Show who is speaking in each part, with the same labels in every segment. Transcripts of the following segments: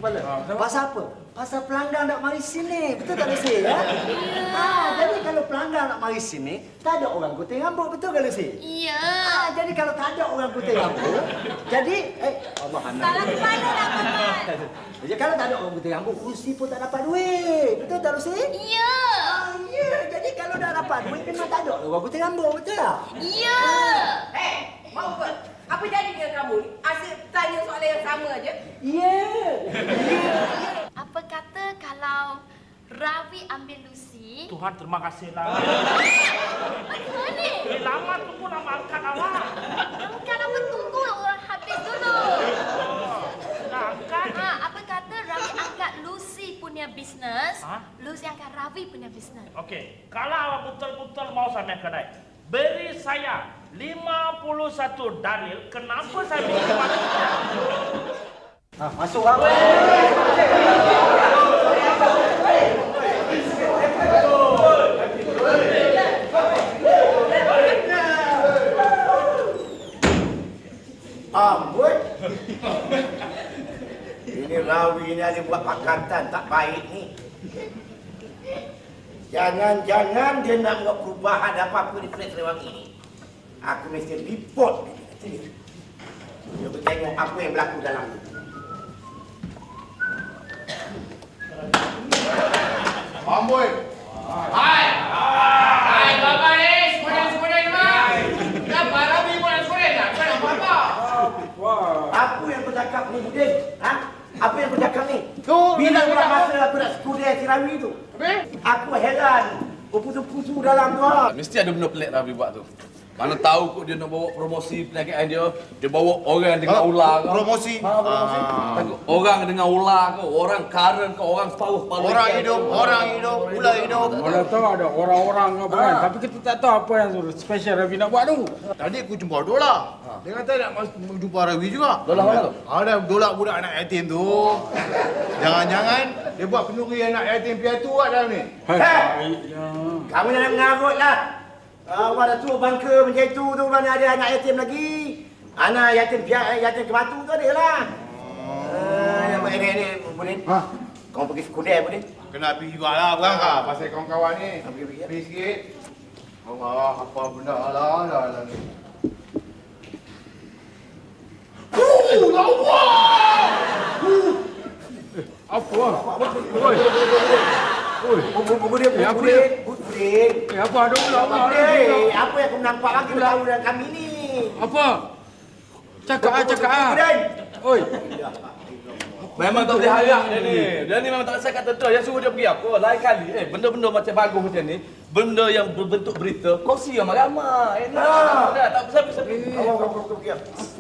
Speaker 1: kepala. Pasal apa? Pasal pelanggan nak mari sini. Betul tak Lucy? Ya? Jadi kalau pelanggan nak mari sini, tak ada orang gunting rambut. Betul tak Lucy?
Speaker 2: Iya.
Speaker 1: Jadi kalau tak ada orang gunting rambut, jadi Allah anak.
Speaker 2: Salah ke mana nak Paman?
Speaker 1: Jadi kalau tak ada orang gunting rambut, Lucy pun tak dapat duit. Betul tak Lucy?
Speaker 2: Iya.
Speaker 1: Ya. Jadi kalau dah dapat duit, memang tak ada orang gunting rambut. Betul tak?
Speaker 2: Iya.
Speaker 3: Mau ke? Apa jadi dengan kamu ni? Asyik tanya soalan yang sama aja.
Speaker 1: Ya.
Speaker 2: Apa kata kalau Ravi ambil Lucy?
Speaker 4: Tuhan terima kasihlah.
Speaker 2: Mana?
Speaker 4: Lama tunggu nama angkat awak.
Speaker 2: Bukan apa tunggu habis dulu.
Speaker 4: Nak angkat?
Speaker 2: Apa kata Ravi angkat Lucy punya bisnes?
Speaker 4: Ha?
Speaker 2: Lucy angkat Ravi punya bisnes.
Speaker 4: Okey, kalau awak betul-betul mau sampai kedai, beri saya 51 dalil kenapa saya bisa masuk.
Speaker 1: Masuk apa?
Speaker 5: Amboi. Ini Rawi ni ada buat pakatan tak baik ni. Jangan-jangan dia nak buat perubahan apa-apa di Flat Serewangi ni. Aku mesti report dia. Dia bertengok apa yang berlaku dalam ni.
Speaker 6: Amboi. Hai. Hai, Bapak ni. Semuanya ni, Mak. Kenapa Rabi pun nak sekolah tak? Kau nak buat apa?
Speaker 5: Apa yang kau cakap ni, Budin? Ha? Apa yang kau cakap ni? Bila pula masa aku nak sekolah si Rawi tu? Aku heran. Berpusu-pusu dalam tu.
Speaker 7: Mesti ada benda pelik Rabi buat tu. Mana tahu kot dia nak bawa promosi perniagaan dia bawa orang dengan ular kau.
Speaker 6: Promosi.
Speaker 7: Promosi. Orang dengan ular kau, orang karen kau, orang paruh-paruh.
Speaker 6: Orang hidup, ular hidup.
Speaker 8: Mana tahu ada orang-orang apa kan. Tapi kita tak tahu apa yang special Ravi nak buat tu.
Speaker 6: Tadi aku jumpa Dola. Dia kata nak jumpa Rawi juga.
Speaker 7: Dola mana tu?
Speaker 6: Ada Dola budak anak yatim tu. Jangan-jangan dia buat kenduri anak yatim piatu kat dalam ni.
Speaker 8: Baiknya.
Speaker 5: Kamu jangan mengarut lah. Awak dah suruh bangka macam itu tu mana ada anak yatim lagi. Anak yatim kematu tu ada lah. Yang ini Budin. Kau pergi sekudai Budin.
Speaker 6: Kena pergi jugalah berangkat pasal kawan-kawan ni.
Speaker 5: Pergi.
Speaker 6: Pergi sikit. Allah, apa benda lah ni.
Speaker 8: Apa? Oi.
Speaker 5: Budin.
Speaker 8: Apa ada ular?
Speaker 5: Apa yang kau nampak lagi tahu dengan kami ni?
Speaker 8: Apa? Cakap.
Speaker 5: Budin.
Speaker 8: Oi.
Speaker 7: Memang tak boleh harap dia ni. Dia ni memang tak rasa kata tu. Yang suruh dia pergi apa? Lain kali. Benda-benda macam bagus macam ni. Benda yang berbentuk berita. Kongsi ramai-ramai. Enak. Tak pasal-pasal.
Speaker 5: Kau pergi.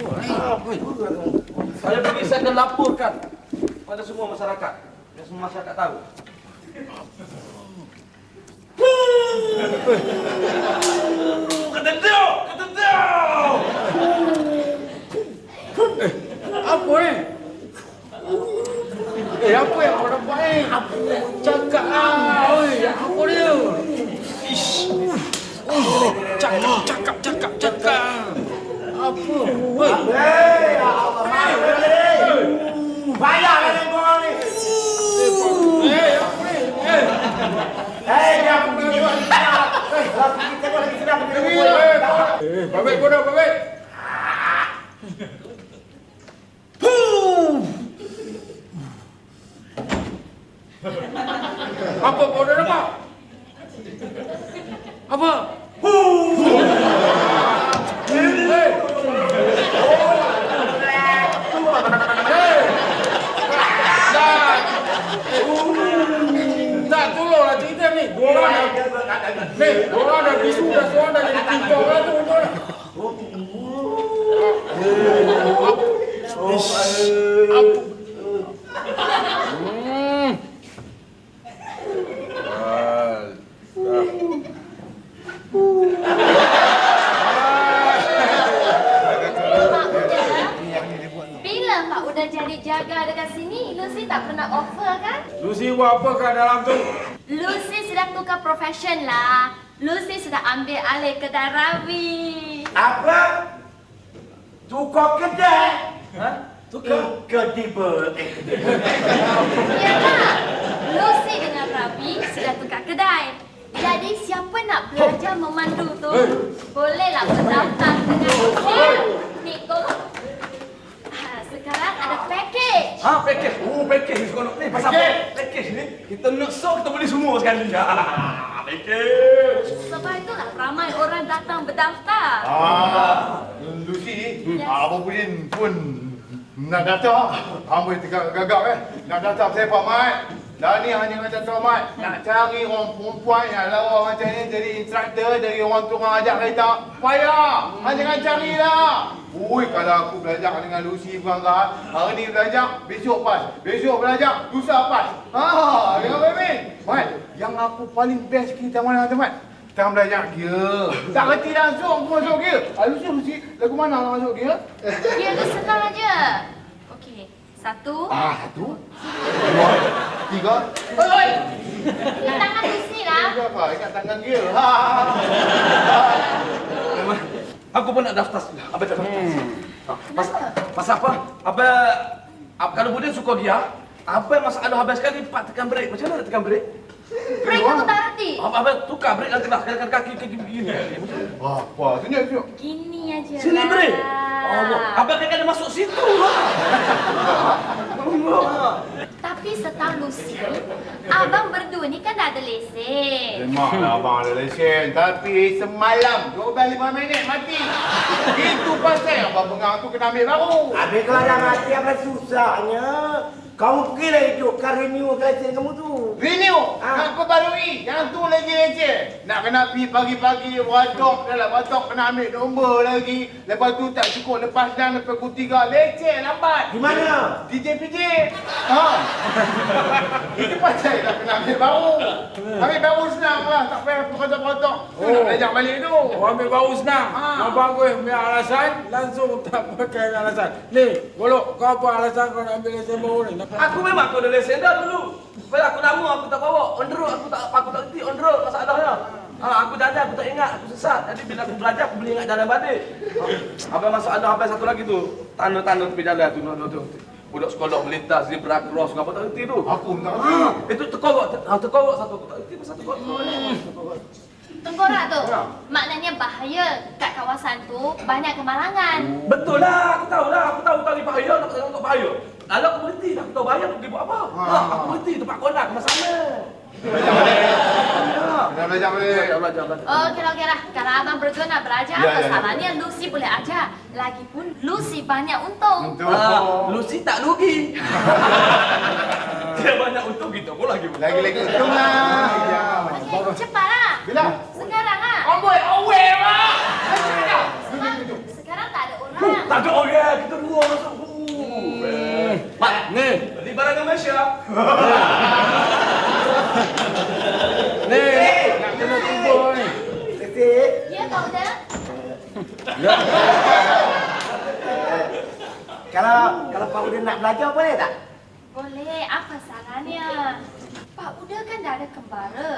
Speaker 7: Saya pergi, saya akan laporkan pada semua masyarakat. Biar semua masyarakat tahu. Kata dia!
Speaker 8: Apa ni? Apa yang kau dapat ni? Cakap oi, apa dia? Ish. Cakap. Apa? Oi.
Speaker 5: Bayarlah dengan korang ni.
Speaker 8: Apa ni?
Speaker 5: Dia pergi tengok lagi sedap. Pergi tengok lagi sedap.
Speaker 8: Babek kau dah, babek. Apa kau dah dapat? Apa? Tak tolonglah cerita ni. Diorang dah bisu dah, seorang dah jadi tiktok lah tu.
Speaker 2: Bila Pak udah jadi jaga dekat sini, Lucy tak pernah offer kan?
Speaker 8: Lucy buat apa kat dalam tu?
Speaker 2: Lucy sudah tukar profession lah. Lucy sudah ambil alih kedai Ravi.
Speaker 5: Apa? Tukar kedai? Incredible.
Speaker 2: Yalah, Lucy dengan Rabi sudah tukar kedai. Jadi siapa nak belajar memandu tu, bolehlah berdaftar dengan Lucy. Ni tolong. Sekarang ada package.
Speaker 7: Package. Package ni seronok ni. Pasal package ni, kita nak show, kita boleh semua sekali. Package.
Speaker 2: Sebab itulah ramai orang datang berdaftar.
Speaker 6: Lucy,
Speaker 2: Yes.
Speaker 6: Abang Budin pun nak daftar. Amboi gagap nak daftar saya Pak Mat. Dah ni hanya macam tu Mat. Nak cari orang perempuan yang lawa macam ni jadi instruktor, dari orang tukang ajak kereta. Payah. Jangan carilah. Ui, kalau aku belajar dengan Lucy berangkat, hari ni belajar, besok pas. Besok belajar, lusa pas. Jangan main-main. Mat, yang aku paling best kita mana teman? Kita belajar gear. Tak kerti langsung aku masuk gear. Lucy, lagu mana nak masuk gear?
Speaker 2: Dia tu senang aja. Okey, 1.
Speaker 6: 1, 2, 3. Oi!
Speaker 2: Di tangan Lucy lah.
Speaker 6: Itu apa? Ikat tangan gear.
Speaker 7: Aku pun nak daftar. Abang tak daftar. Pasal apa? Kalau Budin suka dia, apa yang masalah habis sekali Pak tekan break. Macam mana nak tekan break?
Speaker 2: Break aku tak reti.
Speaker 7: Abang tukar break nanti lah. Kaki begini.
Speaker 6: Apa? Tunjuk.
Speaker 2: Gini aja
Speaker 7: Sini
Speaker 2: lah.
Speaker 7: break. Abang kan ada masuk situ lah.
Speaker 2: Tapi setahu Lucy, abang berdua ni kan dah ada lesen.
Speaker 6: Memanglah abang ada lesen. Tapi semalam 12-5 minit mati. Itu pasal abang pengang tu kena ambil baru.
Speaker 5: Habis kalau dah mati apa susahnya? Kamu pergilah hidupkan renew lesen kamu tu.
Speaker 6: Renew. Nak perbarui. Yang tu lagi leceh. Nak kena pergi pagi-pagi batok. Dalam batok kena ambil nombor lagi. Lepas tu tak cukup lepas dan lepas pukul 3. Leceh lambat.
Speaker 5: Di mana?
Speaker 6: DJ-PJ. Itu pasal tak kena ambil baru. Ambil baru senang lah. Tak payah potong-potong. Nak belajar balik tu.
Speaker 8: Ambil baru senang. Kau bagus punya alasan, langsung tak pakai alasan. Ni, Golok, kau apa alasan kau nak ambil lesen baru ni?
Speaker 7: Aku memang aku ada lesen dah dulu. Sebab aku lama aku tak bawa. On the road aku tak reti on the road masalahnya. Aku jalan aku tak ingat, aku sesat. Jadi bila aku belajar aku boleh ingat jalan balik. Abang masalah habis satu lagi tu. Tanda-tanda tepi jalan tu. Budak sekolah melintas zebra cross apa tak reti tu.
Speaker 6: Aku tak reti.
Speaker 7: Itu terkorok satu aku tak reti pasal terkorok.
Speaker 2: Tengkorak tu, maknanya bahaya. Kat kawasan tu banyak kemalangan.
Speaker 7: Betul lah, aku tahu ni bahaya, nak tengok bahaya. Kalau aku berhenti, aku tahu bahaya, aku pergi buat apa? Aku berhenti tempat konak, masalah.
Speaker 6: Kena belajar balik.
Speaker 2: Okey lah. Kalau abang berdua nak belajar, masalahnya Lucy boleh ajar. Lagipun Lucy banyak untung.
Speaker 7: Lucy tak rugi. Dia banyak untung, kita pun lagi untung.
Speaker 6: Lagi-lagi untung lah.
Speaker 2: Okey, cepatlah.
Speaker 6: Bila?
Speaker 2: Sekarang lah.
Speaker 6: Amboi, awet lah.
Speaker 2: Sebab sekarang tak ada orang.
Speaker 7: Tak ada orang, kita dua masuk. Mak,
Speaker 8: Ni,
Speaker 7: di barang Malaysia.
Speaker 8: ni, nak kena kubur ni.
Speaker 5: Lesen.
Speaker 2: Ya, Pak Uda.
Speaker 5: Kalau Pak Udin nak belajar boleh tak?
Speaker 2: Boleh, apa salahnya? Pak Uda kan dah ada kembara.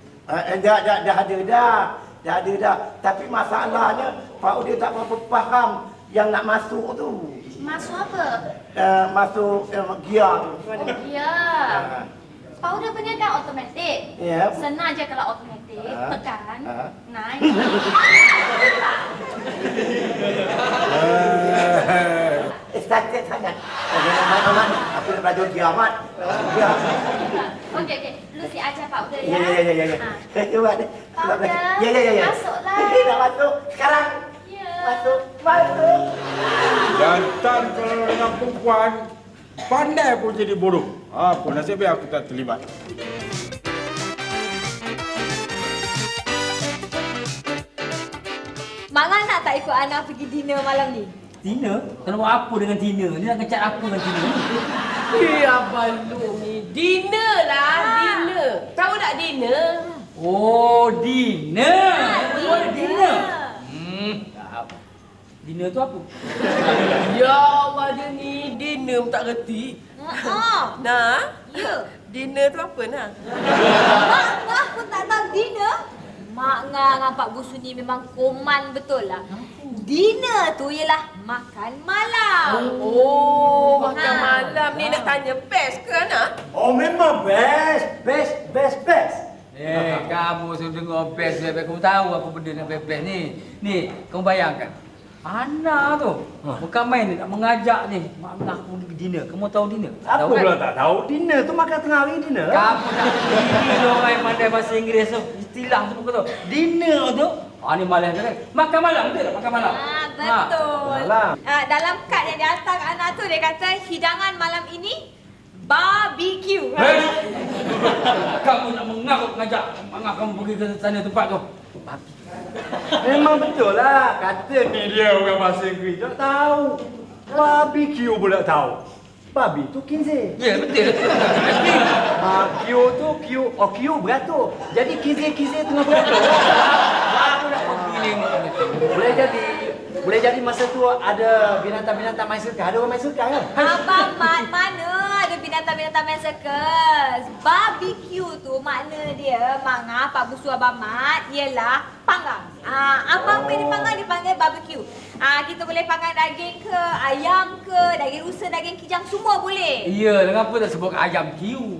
Speaker 5: Dah ada dah. Tapi masalahnya Pak Udin tak berapa faham yang nak masuk tu.
Speaker 2: Masuk apa?
Speaker 5: Masuk gear tu.
Speaker 2: Ya. Pak Uda punya kan automatik.
Speaker 5: Ya.
Speaker 2: Senang je kalau automatik. Tekan. Naik.
Speaker 5: Excited sangat. Amat. Aku nak belajar gear amat. Gear.
Speaker 2: Okey. Lucy ajar Pak Uda ya.
Speaker 5: Ya. Cuba deh.
Speaker 2: Pak Uda,
Speaker 5: Ya.
Speaker 2: masuklah.
Speaker 5: Nak masuk sekarang.
Speaker 2: Ya.
Speaker 5: Masuk.
Speaker 8: Jantan kalau dengan perempuan, pandai pun jadi bodoh. Apa nasib baik aku tak terlibat.
Speaker 9: Mak Ngan nak tak ikut Ana pergi dinner malam ni?
Speaker 10: Tina? Kena buat apa dengan Tina? Ni nak kecat apa dengan Tina?
Speaker 3: Abang Lu ni. Dinner lah, dinner. Tahu tak dinner?
Speaker 10: Oh, dinner!
Speaker 9: Oh,
Speaker 10: dinner! Dinner tu apa?
Speaker 3: Ya Allah, dia ni dinner tak reti. Nah,
Speaker 9: Ya.
Speaker 3: dinner tu apa nah?
Speaker 9: Mak Ngah pun tak tahu dinner. Mak Ngah dengan Pak Busu ni memang koman betul lah. Dinner tu ialah makan malam.
Speaker 3: Oh, makan malam ni nak tanya best ke Ana?
Speaker 1: Oh memang best.
Speaker 10: Kamu sudah dengar best. Kamu tahu apa benda yang best ni. Ni, kamu bayangkan. Ana tu, bukan main ni, nak mengajak ni. Mak aku pergi dinner. Kamu tahu dinner?
Speaker 1: Apa pula tak tahu? Dinner tu makan tengah hari dinner.
Speaker 10: Kamu tak pergi orang yang pandai bahasa Inggeris tu. Istilah tu kau tahu. Dinner tu, ni malam kan? Makan malam, betul tak? Makan malam.
Speaker 9: Betul.
Speaker 1: Malam.
Speaker 9: Dalam kad yang dihantar kat Ana tu, dia kata hidangan malam ini barbecue.
Speaker 10: Kamu nak mengajak mak kamu pergi ke sana tempat tu.
Speaker 1: Memang betul lah. Kata ni dia orang bahasa Inggeris. Tak tahu. Barbecue pula tahu. Babi tu kinze.
Speaker 10: Ya, betul.
Speaker 1: Q tu Q beratur. Jadi kinze tengah beratur.
Speaker 10: Aku nak pergi ni.
Speaker 1: Boleh jadi masa tu ada binatang-binatang main sirkus. Ada orang main sirkus kan?
Speaker 9: Abang Mat, mana ada binatang-binatang main sirkus? Barbecue tu makna dia, Pak Busu Abang Mat, ialah panggang. Apa yang dipanggang dipanggil barbecue. Kita boleh panggang daging ke, ayam ke, daging rusa, daging kijang, semua boleh.
Speaker 10: Ya, kenapa tak sebut ayam kiu?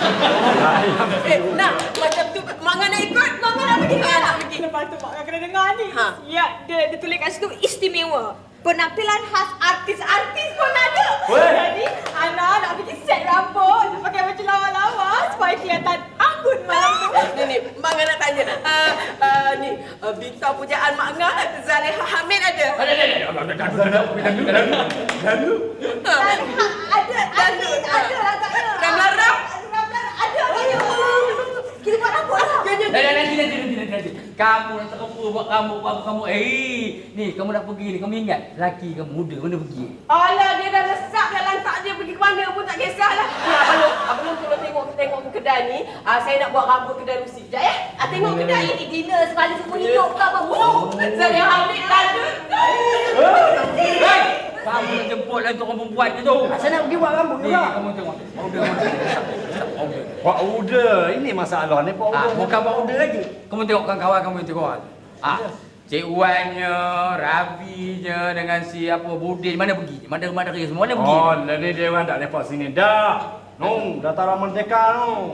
Speaker 3: Nak, macam tu Mak Ngah nak ikut?
Speaker 9: Mak Ngah nak pergi ke?
Speaker 3: Nak pergi.
Speaker 9: Lepas tu Mak Ngah kena dengar ni. Ya, dia tulis kat situ istimewa. Penampilan khas artis-artis pun ada. Jadi, Ana nak pergi set rambut, nak pakai baju lawa-lawa supaya kelihatan anggun malam tu.
Speaker 3: Ni, Mak Ngah nak tanya. Ni, bintang pujaan Mak Ngah, Zaleha Hamid ada?
Speaker 10: Lalu?
Speaker 9: Ada agaknya.
Speaker 3: Ramlah-ram?
Speaker 9: Ada. Kita buat rambut lah.
Speaker 10: Nanti. Kamu nak tak apa buat kamu. Ni kamu nak pergi ni. Kamu ingat laki kamu muda mana pergi?
Speaker 3: Alah, dia dah lesap dah lantak dia pergi ke mana pun tak kisahlah. Abang tolong tengok ke kedai ni. Saya nak buat rambut kedai Rusi. Sekejap ya.
Speaker 9: Tengok kedai ini dinner sekali semua hidup ke apa?
Speaker 3: Saya ambil tanda.
Speaker 10: Kamu nak jemput lah untuk orang perempuan ke tu?
Speaker 1: Saya nak pergi buat rambut
Speaker 10: Ni,
Speaker 1: juga.
Speaker 10: kamu tengok.
Speaker 1: Powder. Ini masalah ni powder.
Speaker 10: Bukan powder lagi. Kamu tengok kawan kamu yang tengok. Cik Wannya, Rabinya dengan si Budin mana pergi? Mana kerja semua mana pergi?
Speaker 1: Oh, ni dia orang tak lepak sini dah. Dah Tara Merdeka no.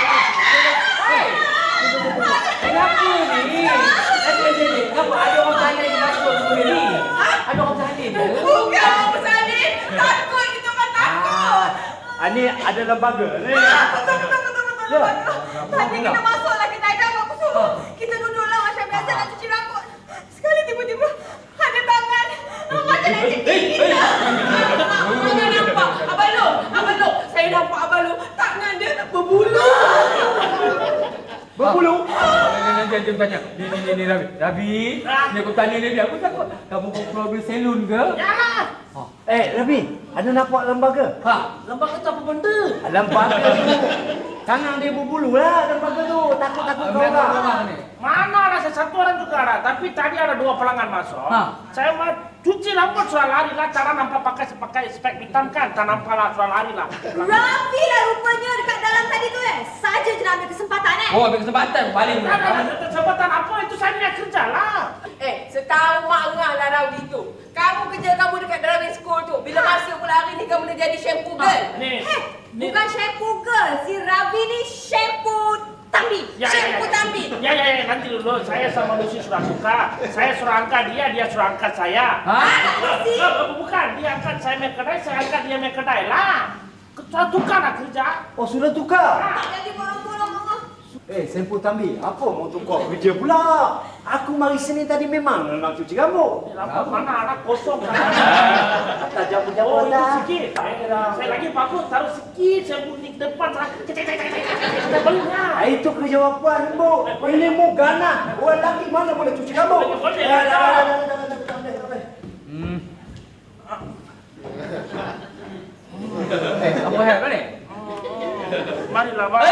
Speaker 10: Kenapa ni? Kenapa ada orang salin di masuk semua ni? Ada orang salin ke?
Speaker 3: Bukan orang salin. Takut kita orang takut.
Speaker 1: Ni ada lembaga ni.
Speaker 3: Betul. Tadi kita masuklah kedai dah aku suruh. Kita duduklah macam biasa nak cuci rambut. Sekali tiba-tiba ada tangan. Macam nak cekik kita. Mana nampak? Abang Long. Saya nampak Abang Long. Tangan dia berbulu.
Speaker 1: Berbulu?
Speaker 10: Nanti tanya. Ni Rabi. Ni aku tanya dia. Aku takut. Kamu problem salon ke?
Speaker 1: Rabi, ada nampak lembaga?
Speaker 10: Lembaga tu apa benda?
Speaker 1: Lembaga tu. Tangan dia berbulu lah lembaga tu. Takut kau lah.
Speaker 4: Mana ada satu orang juga ada, tapi tadi ada 2 pelanggan masuk. Saya mau cuci rambut sudah lari lah, cara nampak pakai spek hitam kan, tak nampak lah sudah lari lah.
Speaker 9: Rafi lah rupanya dekat dalam tadi tu Saja je nak ambil kesempatan
Speaker 10: Oh, ambil kesempatan paling.
Speaker 4: Kesempatan apa itu saya nak kerja lah.
Speaker 3: Setahu Mak Ngah lah Rawi tu. Kamu kerja kamu dekat driving school tu. Bila masuk pula hari ni kamu dah jadi shampoo girl.
Speaker 9: Bukan shampoo girl. Si Rafi ni shampoo Tambi. Shampoo Tambi.
Speaker 4: Ya, nanti dulu. Saya sama Lucy sudah suka. Saya suruh angkat dia suruh angkat saya. Bukan, dia angkat saya main kedai, saya angkat dia main kedai lah. Sudah tukar lah kerja.
Speaker 1: Oh, sudah tukar?
Speaker 9: Tak jadi bolong-bolong Mama.
Speaker 1: Sempu Tambi, apa mau tukar kerja pula? Aku mari sini tadi memang nak cuci rambut.
Speaker 4: Lampu mana anak kosong kan?
Speaker 1: Tak jamu-jamu
Speaker 4: Oh, itu
Speaker 1: lah.
Speaker 4: sikit. Saya lagi bagus, taruh sikit, saya bunyi depan, kita belilah.
Speaker 1: Itu kerja perempuan, Bu. Ini mu ganas. Orang lelaki mana boleh cuci rambut?
Speaker 10: Apa hal kau ni?
Speaker 4: Marilah, Bang.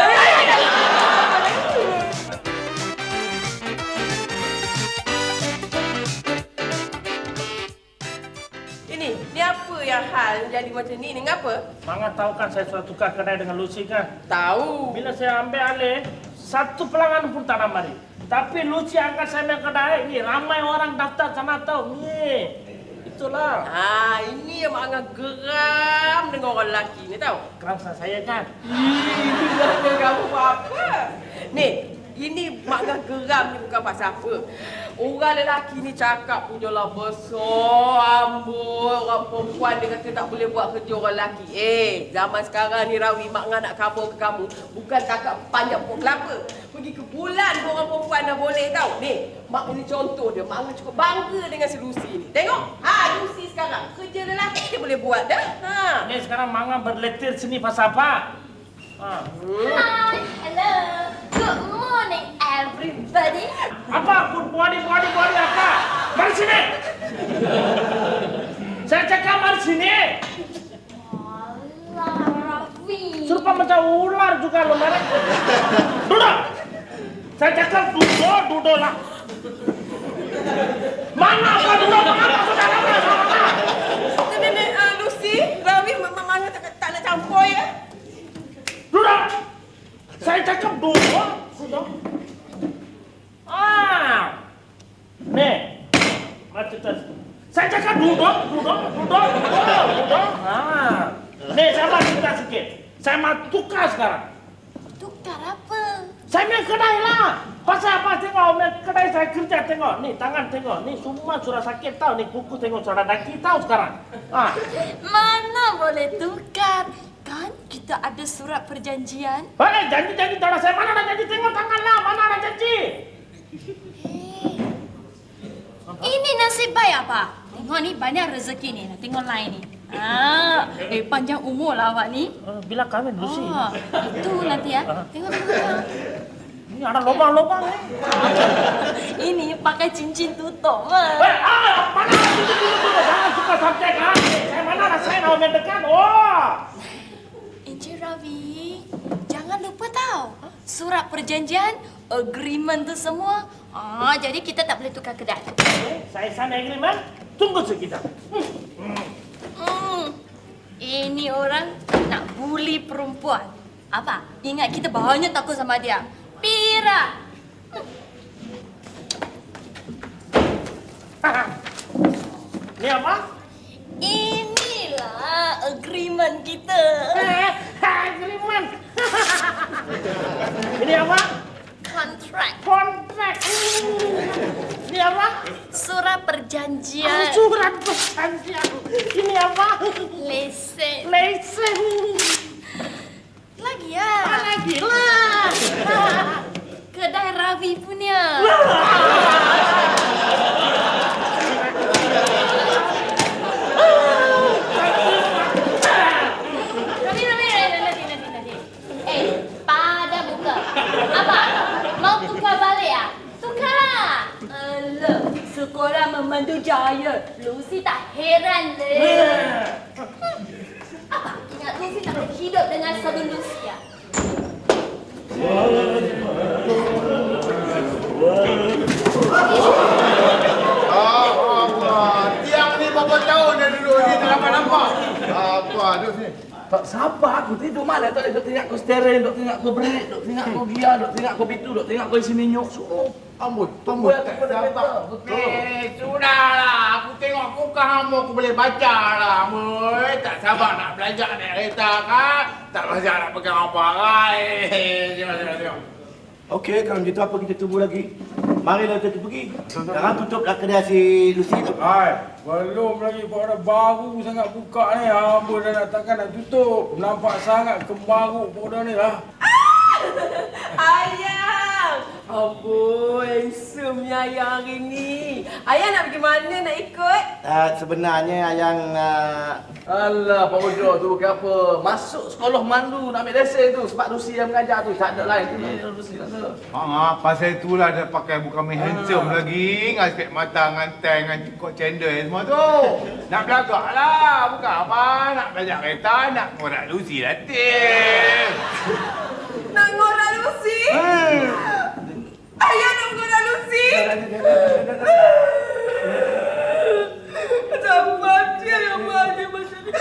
Speaker 3: Ni apa yang hal jadi macam ni? Ni ngapa?
Speaker 4: Mangga tahu kan saya sudah tukar kedai dengan Lucy kan?
Speaker 3: Tahu.
Speaker 4: Bila saya ambil alih, satu pelanggan pun tak nak mari. Tapi Lucy angkat saya main kedai ni, ramai orang daftar sana tahu ni. Itulah.
Speaker 11: Ini yang mak Angah geram dengan orang lelaki ni tahu.
Speaker 4: Kerasa saya kan.
Speaker 11: Ih, kamu apa? Ni, ini mak Angah geram ni bukan pasal apa. Orang lelaki ni cakap punyalah besar ambut. Orang perempuan dia kata tak boleh buat kerja orang lelaki. Zaman sekarang ni Rawi, mak Angah nak kabur ke kamu. Bukan cakap panjang pokok kelapa. Pergi ke bulan pun orang perempuan dah boleh tahu. Ni, mak ini contoh dia. Mak Angah cukup bangga dengan si Lucy ni. Tengok, Lucy sekarang. Kerja lelaki dia boleh buat dah.
Speaker 4: Ni sekarang Manga berletir sini pasal apa?
Speaker 2: Hi, hello. Good morning, everybody.
Speaker 4: Apa? Good body apa? Mari sini. Saya cakap mari sini.
Speaker 2: Alah, Raffi.
Speaker 4: Serupa macam ular juga lo mereka. Duduk. Saya cakap duduk lah. Mana apa duduk? Mengapa sudah lama sama?
Speaker 11: Nenek Lucy, Rawi Mama tak nak campur ya.
Speaker 4: Duduk. Saya cakap duduk. Duduk. Nih. Macam tu. Saya cakap duduk. Nih, saya mau cerita sikit. Saya mau tukar sekarang.
Speaker 2: Tukar apa?
Speaker 4: Saya main kedai lah. Pasal apa tengok, main kedai saya kerja tengok. Nih, tangan tengok. Nih, semua sudah sakit tahu. Nih, kuku tengok sudah daki tahu sekarang.
Speaker 2: Mana boleh tukar? Kan kita ada surat perjanjian.
Speaker 4: Janji tak ada saya. Mana ada janji? Tengok tangan lah. Mana ada janji?
Speaker 2: Ini nasib baik apa? Tengok ni banyak rezeki ni. Tengok lain ni. Panjang umur lah awak ni.
Speaker 4: Bila kahwin Lucy?
Speaker 2: Itu nanti ya. Tengok.
Speaker 4: Ini ada lubang-lubang ni.
Speaker 2: Ini pakai cincin tutup.
Speaker 4: Mana cincin tutup? Jangan suka subjek lah. Saya mana ada saya nak mendekat.
Speaker 2: Encik Ravi, jangan lupa tahu. Surat perjanjian, agreement tu semua. Jadi kita tak boleh tukar kedai.
Speaker 4: Saya sign agreement. Tunggu sekejap.
Speaker 2: Ini orang nak bully perempuan. Apa? Ingat kita banyak takut sama dia. Pira.
Speaker 4: Ni apa?
Speaker 2: Inilah agreement kita.
Speaker 4: Agreement. Ini apa?
Speaker 2: Kontrak.
Speaker 4: Ini apa?
Speaker 2: Surat perjanjian.
Speaker 4: Surat perjanjian. Ini apa?
Speaker 2: Lesen. Lagi ya?
Speaker 4: Lagi lah.
Speaker 2: Kedai Ravi punya. Nanti. Pada buka. Apa? Mau tukar balik ya? Tukarlah. Alah, sekolah memandu jaya. Lucy tak heran deh. Apa? Ingat Lucy tak boleh hidup dengan sabun Lucy ya?
Speaker 6: Tiang ni berapa tahun dah duduk ni tak nampak. Apa duduk sini?
Speaker 7: Tak sabar aku tidur mana tak duk tengok aku steering, duk tengok aku break, duk tengok aku gear, duk tengok aku bitu, duk tengok aku sini nyok.
Speaker 6: Ambut.
Speaker 7: Tak sabar.
Speaker 6: Sudahlah. Aku tengok aku kamu aku boleh baca lah. Moy, tak sabar nak belajar naik kereta kan? Tak belajar nak pegang apa kan? Tengok.
Speaker 5: Okey, kalau gitu apa kita tunggu lagi? Marilah kita pergi. Sekarang tutuplah kedai si Lucy tu.
Speaker 8: Belum lagi pada baru sangat buka ni. Amboi dah nak takkan nak tutup. Nampak sangat kemaruk pada ni lah.
Speaker 11: Ayang! Amboi, handsome-nya Ayang hari ni. Ayang nak pergi mana nak ikut?
Speaker 5: Sebenarnya Ayang...
Speaker 7: Alah, Pak Ojo tu bukan apa. Masuk sekolah mandu nak ambil lesen tu. Sebab Lucy yang mengajar tu. Tak ada lain tu. Lucy tak ada.
Speaker 6: Pasal itulah dia pakai bukan main handsome lagi. Dengan spek mata, dengan tank, dengan cukup cendol semua tu. Nak belagak lah. Bukan apa. Nak belajar kereta, nak ngorak Lucy datang.
Speaker 11: Nak ngorak Lucy? Ayah nak ngorak Lucy? Sabar dia yang bahagia macam ni.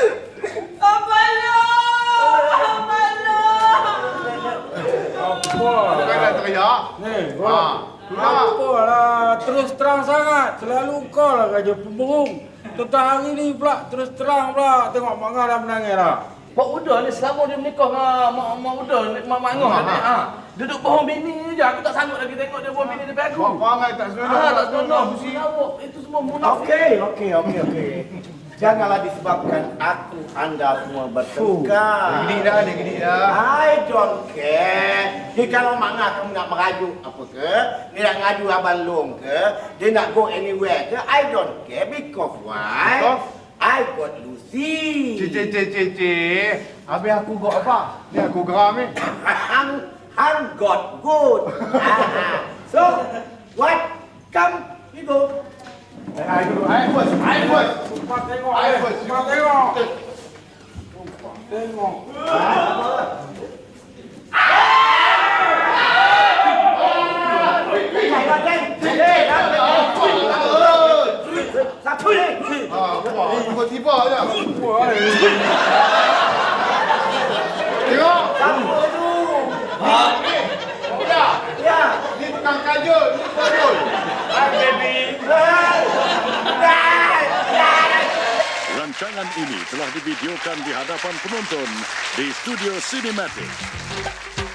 Speaker 11: Apalah!
Speaker 8: Apa?
Speaker 6: Bukan nak teriak.
Speaker 8: Ni, Apalah, terus terang sangat. Selalu kau lah kerja pemberung. Tentang hari ni pula, terus terang pula. Tengok Mak Ngah dah menangis dah.
Speaker 7: Mak Uda ni selama dia menikah dengan Mak Uda, Mak Ngah ni, duduk bohong bini je. Aku tak sanggup lagi tengok dia bohong bini depan aku.
Speaker 6: Kau angai tak senonoh.
Speaker 7: Tak senonoh. Itu semua munafik.
Speaker 5: Okey. Janganlah disebabkan aku anda semua bertengkar.
Speaker 6: Dia gedik dah.
Speaker 5: I don't care. Dia kalau Mak Ngah kamu nak merajuk apa ke, dia nak ngadu Abang Long ke, dia nak go anywhere ke, I don't care because why?
Speaker 6: Because?
Speaker 5: I got Lucy.
Speaker 6: Cik. Habis aku got apa? Ni aku geram ni.
Speaker 5: Hang got good. So, what? Come, we go.
Speaker 6: I first.
Speaker 8: Cepat tengok.
Speaker 6: I first.
Speaker 8: Cepat tengok. Tengok.
Speaker 5: Satu ni.
Speaker 6: Tiba-tiba je. Tengok.
Speaker 5: Satu tu. Ya.
Speaker 6: Ni tukang kajol. Ni kajol.
Speaker 4: Hai baby.
Speaker 12: Rancangan ini telah divideokan di hadapan penonton di Studio Cinematic.